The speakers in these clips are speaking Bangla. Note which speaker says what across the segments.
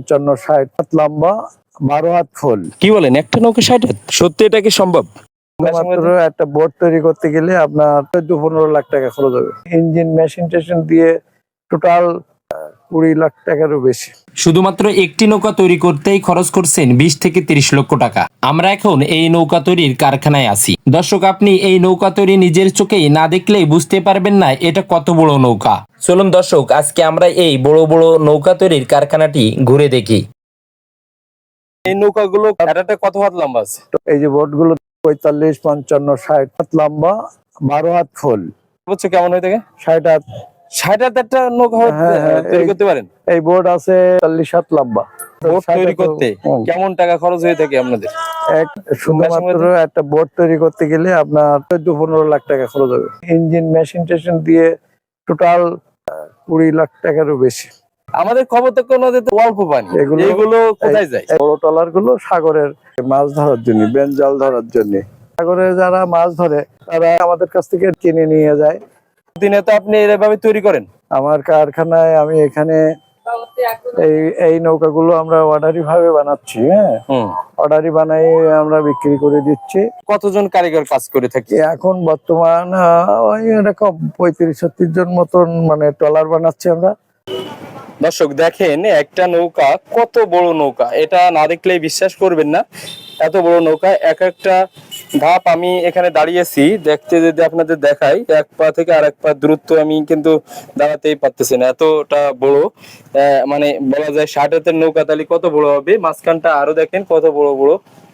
Speaker 1: 55, 60 হাত লম্বা, 12 হাত খোল।
Speaker 2: কি বলেন, একটা নৌকা 60 হাত? সত্যি এটা কি সম্ভব?
Speaker 1: মাত্র একটা বোট তৈরি করতে গেলে আপনার 14-15 লাখ টাকা খরচ হবে। ইঞ্জিন মেশিন টেশিন দিয়ে টোটাল 20 লাখ টাকারও বেশি।
Speaker 2: শুধুমাত্র একটি নৌকা তৈরি করতেই খরচ করছেন 20 থেকে 30 লক্ষ টাকা। আমরা এখন এই নৌকা তৈরির কারখানায় আছি। দর্শক, আপনি এই নৌকা তৈরি নিজের চোখেই না দেখলেই বুঝতে পারবেন না এটা কত বড় নৌকা। চলুন দর্শক, আজকে আমরা এই বড় বড় নৌকা তৈরির কারখানাটি ঘুরে দেখি। এই নৌকাগুলো কত হাত লম্বা আছে?
Speaker 1: এই যে বোট গুলো 45, 55, 60 হাত লম্বা, 12 হাত খোল।
Speaker 2: বুঝছো কেমন হয়ে থাকে?
Speaker 1: 60 হাত।
Speaker 2: 60 হাত একটা নৌকা তৈরি করতে পারেন?
Speaker 1: এই বোট আছে 40 হাত লম্বা।
Speaker 2: বোট তৈরি করতে কেমন টাকা খরচ হয়ে থাকে আপনাদের?
Speaker 1: শুধুমাত্র একটা বোট তৈরি করতে গেলে আপনার 14-15 লাখ টাকা খরচ হবে। ইঞ্জিন মেশিন টেশিন দিয়ে টোটাল 20 লাখ টাকারও বেশি।
Speaker 2: আমাদের খবর তো নদীতে অল্প পানি, এগুলো কোথায় যায়?
Speaker 1: বড় ট্রলার গুলো সাগরের মাছ ধরার জন্য, বেঞ্জাল ধরার জন্য। সাগরে যারা মাছ ধরে তারা আমাদের কাছ থেকে কিনে নিয়ে যায়।
Speaker 2: দিনে তো আপনি এভাবে তৈরি করেন?
Speaker 1: আমার কারখানায় আমি এখানে এই নৌকাগুলো আমরা অর্ডারি ভাবে বানাচ্ছি। হ্যাঁ, অর্ডারি বানাই আমরা বিক্রি করে দিচ্ছি।
Speaker 2: কতজন কারিগর কাজ করে থাকে
Speaker 1: এখন বর্তমান? ওই এরকম 35-36 জন মতন মানে ট্রলার বানাচ্ছি আমরা।
Speaker 2: দর্শক দেখেন, একটা নৌকা কত বড় নৌকা, এটা না দেখলেই বিশ্বাস করবেন না। এত বড় নৌকা, এক একটা ধাপ আমি এখানে দাঁড়িয়েছি দেখতে, যদি আপনাদের দেখাই, এক পা থেকে আরেক পা দূরত্ব আমি কিন্তু দাঁড়াতেই পারতেছি না, এতটা বড়। মানে বলা যায় 60 হাতের নৌকা তাহলে কত বড় হবে। মাঝখানটা আরো দেখেন কত বড় বড়।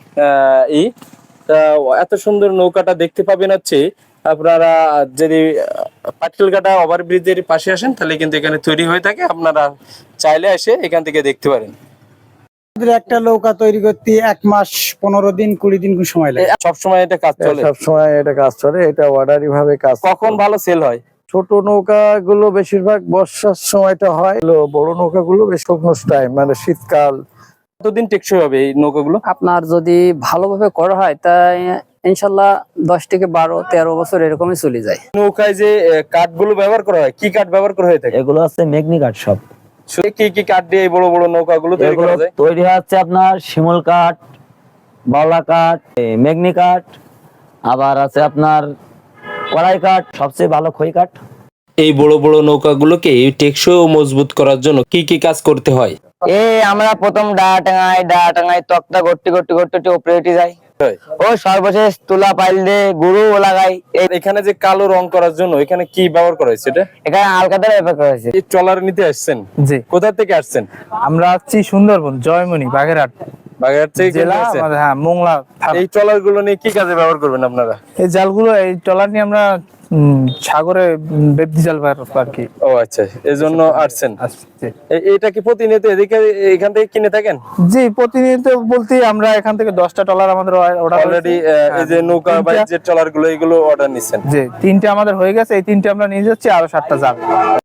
Speaker 2: এত সুন্দর নৌকাটা দেখতে পাবেন হচ্ছে আপনারা যদি পাটকেলঘাটা ওভারব্রিজের পাশে আসেন, তাহলে কিন্তু এখানে তৈরি হয়ে থাকে। আপনারা চাইলে এসে এখান থেকে দেখতে পারেন।
Speaker 3: একটা নৌকা তৈরি করতে 1 মাস 15 দিন 20 দিন সময় লাগে।
Speaker 2: সবসময় এটা কাজ চলে?
Speaker 1: সবসময় এটা কাজ চলে, এটা অর্ডারি ভাবে কাজ।
Speaker 2: কখন ভালো সেল হয়?
Speaker 1: ছোট নৌকা গুলো বেশিরভাগ বর্ষার সময়টা হয়, বড় নৌকা গুলো বেশ শুকনো টাইম মানে শীতকাল।
Speaker 2: কতদিন টেকসই হবে এই নৌকাগুলো?
Speaker 4: আপনার যদি ভালোভাবে করা হয় তাই ইনশাল্লাহ 10 থেকে 12-13 বছর এরকমই চলে যায়।
Speaker 2: নৌকায় যে কাঠগুলো ব্যবহার করা হয়, কি কাঠ ব্যবহার করা হয়ে থাকে?
Speaker 5: এগুলো আছে মেগনি কাঠ। সব
Speaker 2: কি কি কাঠ দিয়ে এই বড় বড় নৌকাগুলো তৈরি করা যায়?
Speaker 5: তৈরি হচ্ছে আপনার শিমুল কাঠ, বাওলা কাঠ, মেগনি কাঠ, আবার আছে আপনার কড়াই কাঠ, সবচেয়ে ভালো খই কাঠ।
Speaker 2: এই বড় বড় নৌকাগুলোকে টেকসই ও মজবুত করার জন্য কি কি কাজ করতে হয়?
Speaker 5: আমরা প্রথম ডায়া টাঙাই তক্তা গট্টি গট্টি গট্টি উপরে উঠে যাই। ও সর্বশেষ তুলা পাইল দিয়ে গুরু লাগাই।
Speaker 2: এখানে যে কালো রং করার জন্য এখানে কি ব্যবহার করা হয়েছে?
Speaker 5: এখানে আলকাতার ব্যবহার করা হয়েছে।
Speaker 2: এই ট্রলার নিতে আসছেন?
Speaker 3: জি।
Speaker 2: কোথা থেকে আসছেন?
Speaker 3: আমরা আসছি সুন্দরবন, জয়মনি, বাগেরহাট
Speaker 2: বাগেরহাট থেকে
Speaker 3: জেলা। হ্যাঁ, মোংলা।
Speaker 2: এই ট্রলার গুলো নিয়ে কি কাজে ব্যবহার করবেন আপনারা?
Speaker 3: এই জালগুলো, এই ট্রলার নিয়ে আমরা সাগরে বেবদি জাল আর কি।
Speaker 2: ও আচ্ছা, এই জন্য আসছেন। এটা কি প্রতিনিয়ত এখান থেকে কিনে থাকেন?
Speaker 3: জি, প্রতিনিয়ত বলতে আমরা এখান থেকে 10টা ট্রলার আমাদের অর্ডার
Speaker 2: অলরেডি। এই যে নৌকা বা যে ট্রলার গুলো, এগুলো অর্ডার নিচ্ছেন?
Speaker 3: জি, 3টে আমাদের হয়ে গেছে। এই 3টে আমরা নিয়ে যাচ্ছি, আরো 7টা যাবে।